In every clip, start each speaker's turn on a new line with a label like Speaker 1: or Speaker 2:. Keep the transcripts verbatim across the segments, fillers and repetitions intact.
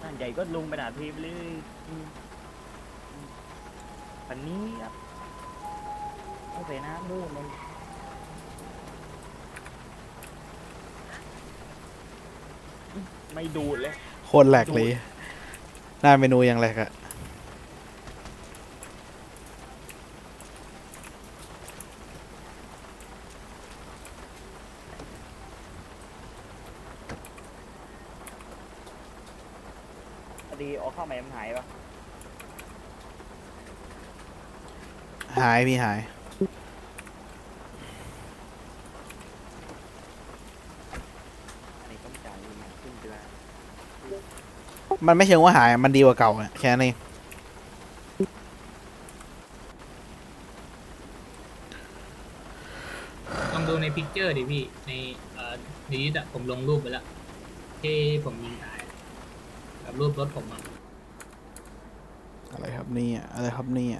Speaker 1: านใหญ่ก็ลงไปด่าทีไปเลยอันนี้ครับไม่ใส่น้ำด้วยมันไม่ดูดเลย
Speaker 2: โคตรแหลกเลยหน้าเมนูยังแหลกอะ
Speaker 1: ดีออกเข้าใหม่มันหายปะ
Speaker 2: หายพี่หาย
Speaker 1: อันนี้ต้องจ่ายเงินขึ้นเดือน
Speaker 2: มันไม่เชิงว่าหายมันดีกว่าเก่าอะแค่นี้
Speaker 3: ลองดูในพิกเจอร์ดิพี่ในเอ่อนี้อะผมลงรูปไปแล้วที่ผมยิงตายกับรูปรถผมอะ
Speaker 2: อะไรครับนี่อะไรครับนี่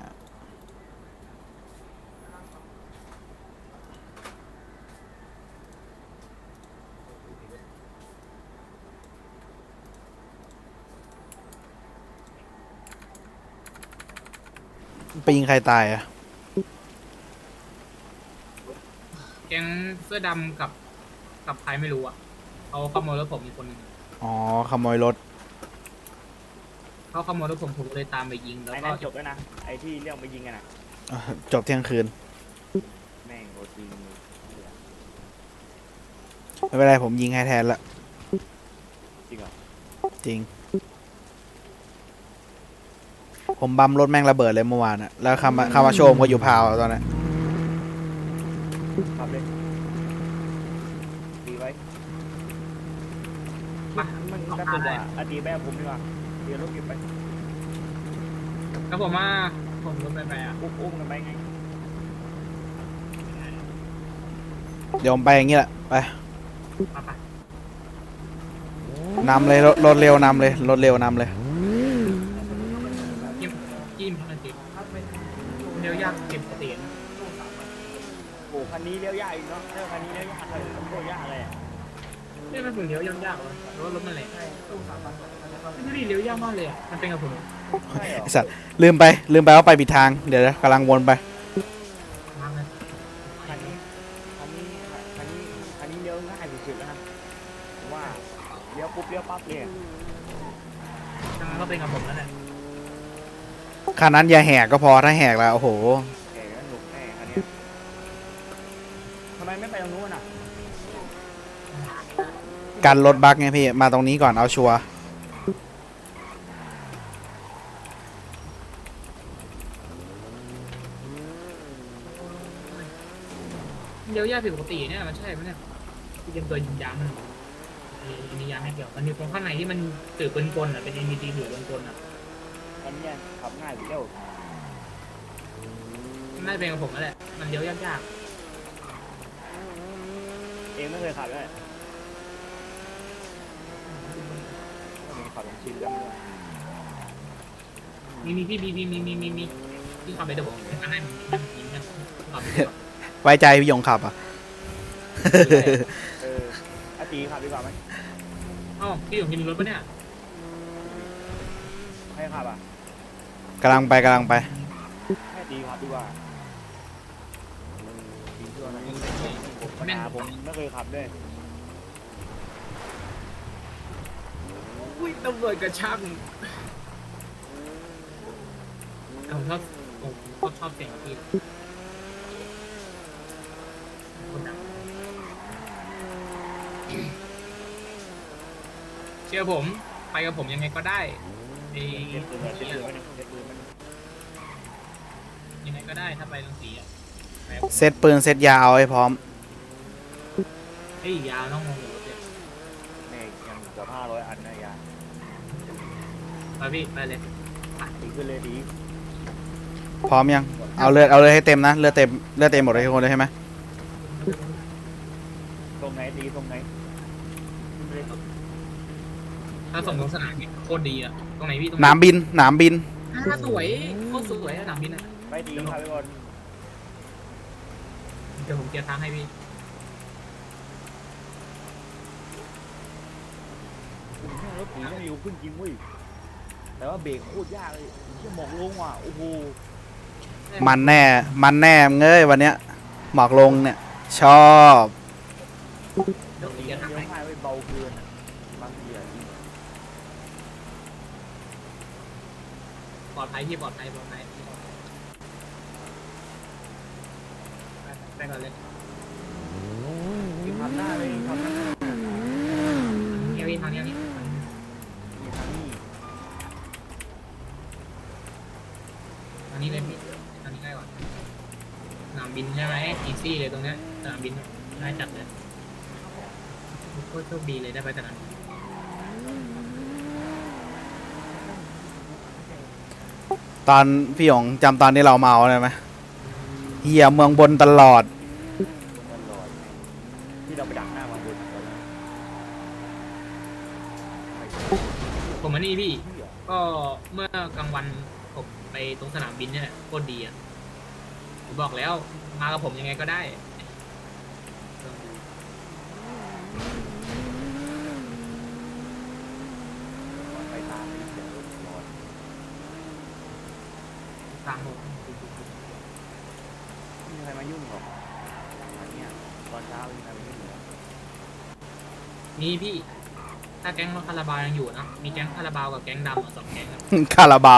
Speaker 2: ไปยิงใครตายอะ
Speaker 3: แก๊งเสื้อดำกับกับใครไม่รู้อะเขาขโมยรถผมอีกคนหนึ่ง
Speaker 2: อ๋อขโมยรถ
Speaker 3: เขาขโมยรถผมผมเลยตามไปยิงแล้ว
Speaker 1: ไอ้
Speaker 3: ก็
Speaker 1: นั่นจบแล้วนะไอ้ที่เรื่องไปยิงกันนะ
Speaker 2: อ่ะจบเที่ยงคืน
Speaker 1: แม่งโคตรจริง
Speaker 2: ไม่เป็นไรผมยิงให้แทนละ
Speaker 1: จริงเหรอ
Speaker 2: จริงผมบัมรถแม่งระเบิดเลยเมื่อวานอะแล้วคำมาคำมาโชมก็อยู่พาวตอนนั้น
Speaker 1: ขับเลยดีไว้
Speaker 3: มา
Speaker 1: มันก็ตัวอดีแม่ผมดีกว่าเดี๋ยวรถเก็บไป
Speaker 3: แล้วผมว่าผมรถไปไปอ่ะ
Speaker 1: อุ้มอุ้มกันไปไง
Speaker 2: เดี๋ยวผมไปอย่างงี้แหละไป
Speaker 3: มาไป
Speaker 2: นำเลยรถเร็วนำเลยรถเร็วนำเลย
Speaker 3: จิ้มจิ้มมันติดเดี๋ยวยากเก็บเสียง
Speaker 1: โอ้คันนี้เลี้ยวยากอีกเนาะเจ้าคันนี้เลี้ยวยากเลยโคตรยากเลย
Speaker 3: นี่มันถึงเลี้ยวยากๆเลยหรือว่ารถมันแหลกไม่ได้เลี้ยวยากมากเลยอ่ะมันเป็นกับผม
Speaker 2: ไอสัตว์ลืมไปลืมไปว่าไปผิดทางเดี๋ยวกำลังวนไป
Speaker 1: คันนี้คันนี้คันนี้คันนี้เลี้ยวง่ายสุดๆแล้วนะว่าเลี้ยวปุ๊บเลี้ยวปั๊บเลย
Speaker 3: ก็เป็นกับผมแล้วแหละ
Speaker 2: คันนั้นอย่าแหกก็พอถ้าแหกแล้วโอ้โห
Speaker 1: แหกแล้วหนุกแน่คันนี้ทำไมไม่ไปตรงนู้นอ่ะ
Speaker 2: กันรถบักไงพี่มาตรงนี้ก่อนเอาชัวร์
Speaker 3: เลี้ยวยากผิดปกติเนี่ยมันใช่ไหมเนี่ยที่เป็นตัวยิงยางมันมียางให้เกี่ยวมันมีตรงข้างในที่มันถือปืนกลอ่ะเป็น เอ็น ดี ที ถือปืนกลอ่ะ
Speaker 1: อันนี้ขับง่ายอยู่แล้ว
Speaker 3: น่าจะเป็นกับผมนั่นแหละมันเลี้ยวยาก
Speaker 1: ๆเองไม่เคยขับเลยไม่ขับลงชินแล้ว
Speaker 3: มีมีพี่มีมีมีมีมีมีที่ขับไปเดี๋ยวผมอันนั้นมีนะขับไป
Speaker 2: ไว้ใจพี่ยงขับอ่ะ
Speaker 1: เอออาตีขับดีกว่าไหม
Speaker 3: อ๋อพี่ยงมีรถปะเนี่ย
Speaker 1: ให้ขับอ่ะ
Speaker 2: กำลังไปกำลังไป
Speaker 1: ให้ตีขับดีกว่าตีชัวร์นะผมนาผมไม่เคยขับด้วย
Speaker 3: อุ้ยตำรวจกระช่างผมชอบผมชอบเสียงพี่เชื่อผมไปกับผมยังไงก็ได้ไอ้ยังไงก็ได้ถ้าไปตรงสีอ่ะ
Speaker 2: เซตปืนเซตยาเอาให้พร้อม
Speaker 3: เฮ้ยยาต้องงงอยู่เนี่ย
Speaker 1: แม่ยังเกือบห้าร้อยอันนะยา
Speaker 3: ไปพี่ไปเลย
Speaker 1: ดีขึ้นเลยดี
Speaker 2: พร้อมยังเอาเลือดเอาเลยให้เต็มนะเลือดเต็มเลือดเต็มหมดเลยทุกคนเลยใช่ไหม
Speaker 1: ตรงไหนดีตรงไหน
Speaker 3: ถ้าส่งลงสนามโคตรดีอ่ะตรงไหนพี่ตรง
Speaker 2: หนามบินหนามบิน
Speaker 3: อ่าสวยโคตรสวยสนามบินอ่ะ
Speaker 1: ไปดีครับทุกคน
Speaker 3: เดี๋ยวผมเกียร์ทางให้พี่
Speaker 1: รถผีไม่อยู่ขึ้นจริงเว้ยแต่ว่าเบรกโคตรยากเลยเชี่ยหมอกลงว่ะโอ้โห
Speaker 2: มันแน่มันแน่มึงเอ้ยวันเนี้ยหมอกลงเนี่ยชอบ
Speaker 3: เดี๋ยว
Speaker 1: เลี้
Speaker 3: เดี๋
Speaker 1: ย
Speaker 3: ยว วทำไม
Speaker 1: ง่ายไว้เบาเกินอ่ะบางทีอ่ะ
Speaker 3: ปลอดภัยพี่ปลอดภัยปลอดภัยไปก่อนเลย
Speaker 1: คือทำหน้าเลยทำหน้า
Speaker 3: เฮียพี่ทางนี้
Speaker 1: มีทางนี้
Speaker 3: ทางนี้เลยพี่ทางนี้ง่ายกว่าสนามบินใช่ไหมอีซี่เลยตรงเนี้ยสนามบินง่ายจัดเลยโคตรโชคดีเลยได้ไปสนามบิน
Speaker 2: ตอนพี่หยงจำตอนที่เราเมาได้ไหมเฮียเมืองบนตลอด
Speaker 1: ตลอดที่เราไปดักหน้ามาบนตอนนั้น
Speaker 3: ผมมานี่พี่
Speaker 1: เหี้ย
Speaker 3: ก็เมื่อกลางวันผมไปตรงสนามบินเนี่ยแหละโคตรดีอ่ะผมบอกแล้วมากับผมยังไงก็ได้
Speaker 1: ไปตามนี่เดี๋ยวรอด
Speaker 3: ทางผม
Speaker 1: ไม่มีใครมายุ่งหรอกอันเนี้ยตอนเช้าไม่มีใครมายุ่งหรอก
Speaker 3: มีพี่ ถ้าแก๊งคาราบาวยังอยู่นะมีแก๊งคาราบาวกับแก๊งดำอะสองแก๊งอะ
Speaker 2: คาราบาว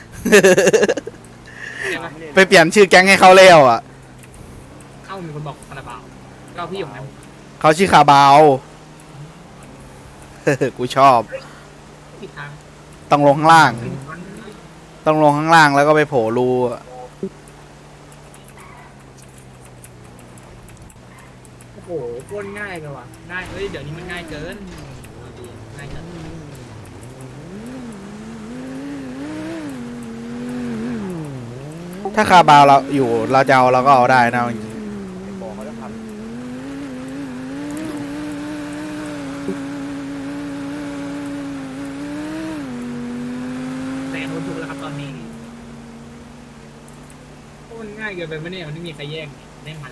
Speaker 3: ใช่ปะ
Speaker 1: ไม่ได้
Speaker 2: ไปเปลี่ยนชื่อแก๊งให้เขาเร็วอ่ะ
Speaker 3: เอ้ามีคนบอกคาราบาวก็พี่หยงนะ
Speaker 2: เขาชื่อคาบาว กูชอบ
Speaker 3: ผิดทาง
Speaker 2: ต้องลงข้างล่าง ต้องลงข้างล่างแล้วก็ไปโผล่รูอะ
Speaker 3: โอ้โหโคตรง่ายเลยว่ะง่ายเฮ้ยเดี๋ยวนี้มันง่ายเกินเอาดีง่ายจัด
Speaker 2: ถ้าคาบาวเราอยู่เราจะเอาเราก็เอาได้นะจริง
Speaker 1: ไปบอกเขาต้องท
Speaker 3: แต่โดนถูกแล้วครับตอนนี้โคตรง่ายเกินไปไหมเนี่ยมันไม่มีใครแย่งได้มัน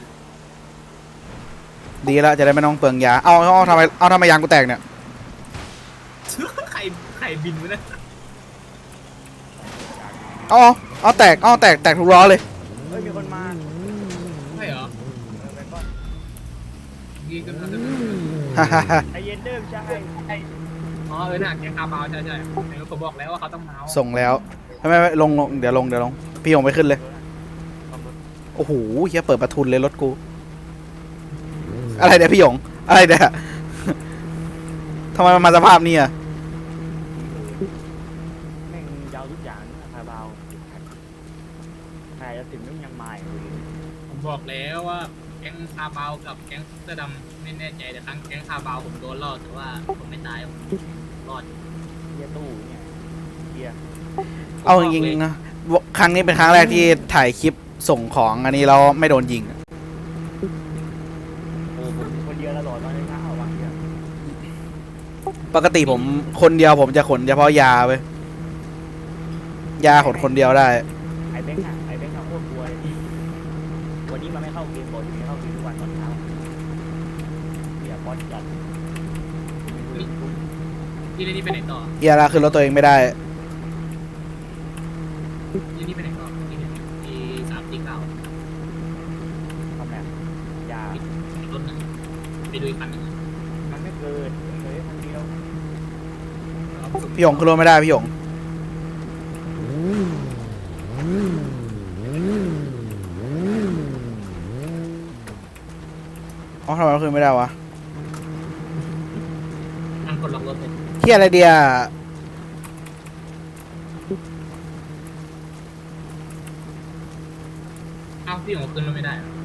Speaker 2: ดีแล้วจะได้ไม่ต้องเปลืองยา เอาเอาทำไมเอาทำไมยางกูแตกเนี่ย
Speaker 3: ใครใครบินวะเนี่ย
Speaker 2: เอาเอาเอาแตก เอาแตก แตกทุกล้อเลย
Speaker 1: ำเฮ้ยมีคนมา
Speaker 3: ใช่เหรอ
Speaker 1: เออไปก่อน
Speaker 3: ยิงกันมาเลย
Speaker 1: ไอเย็นเดิมใช่
Speaker 3: อ๋อเออน่ะแกงคาบาวใช่ใช่แต่ผมบอกแล้วว่าเขาต้องเมาส์
Speaker 2: ส่งแล้วไม่ไม่ไม่ลงลงเดี๋ยวลงเดี๋ยวลง พี่หยงไปขึ้นเลย โอ้โหเฮียเปิดประทุนเลยรถกู อะไรเดี๋ยวพี่หยง อะไรเดี๋ยว ทำไมมันมาสภาพนี้อ่ะ
Speaker 1: แม่งยาวทุกอย่างนะคาราบาวใครจะถึงต้องยังมาอยู่เลย
Speaker 3: ผมบอกแล้วว่าแก๊งคาบาวกับแก๊งเสื้อดำไม่แน่ใจแต่ครั้งแก๊งคาบาวผมโดนรอดแต่ว่าผมไม่ตายผมรอด
Speaker 1: เฮียตู้เนี่ยเฮีย
Speaker 2: เอาจริงๆนะครั้งนี้เป็นครั้งแรกที่ถ่ายคลิปส่งของอันนี้แล้วไม่โดนยิง
Speaker 1: โอ้ผมคนเดียวตลอดตอนเช้าบางที
Speaker 2: ปกติผมคนเดียวผมจะขนเฉพาะยาไปยาขนคนเดียวได้
Speaker 1: ไอเบงค์อะไอเบงค์อะโคตรกลัวเลยพี่วันนี้มันไม่เข้าเกมบอลอยู่ไม่เข้าเกมทุกวันตอนเช้าเฮียบอลจัด
Speaker 3: พี่เรนนี่ไปไหนต่อ
Speaker 2: เฮียละขึ้นรถตัวเองไม่ได้
Speaker 3: เรนนี่ไปไหนต่อที่เนี่ยที่สามสี่เก้า
Speaker 1: ทำแบบยา
Speaker 3: รถหนึ่งไปดูอีกคันหนึ่ง
Speaker 1: มันไม่เกินเลยคนเดียว
Speaker 2: พี่หยงขึ้นรถไม่ได้พี่หยงอ๋อทำไมเราขึ้นไม่ได้วะ
Speaker 3: นั่งกดล็อกรถเลย
Speaker 2: เฮียอะไรเดีย
Speaker 3: เอ้าพี่หงขึ้นรถไม่ได้เหรอ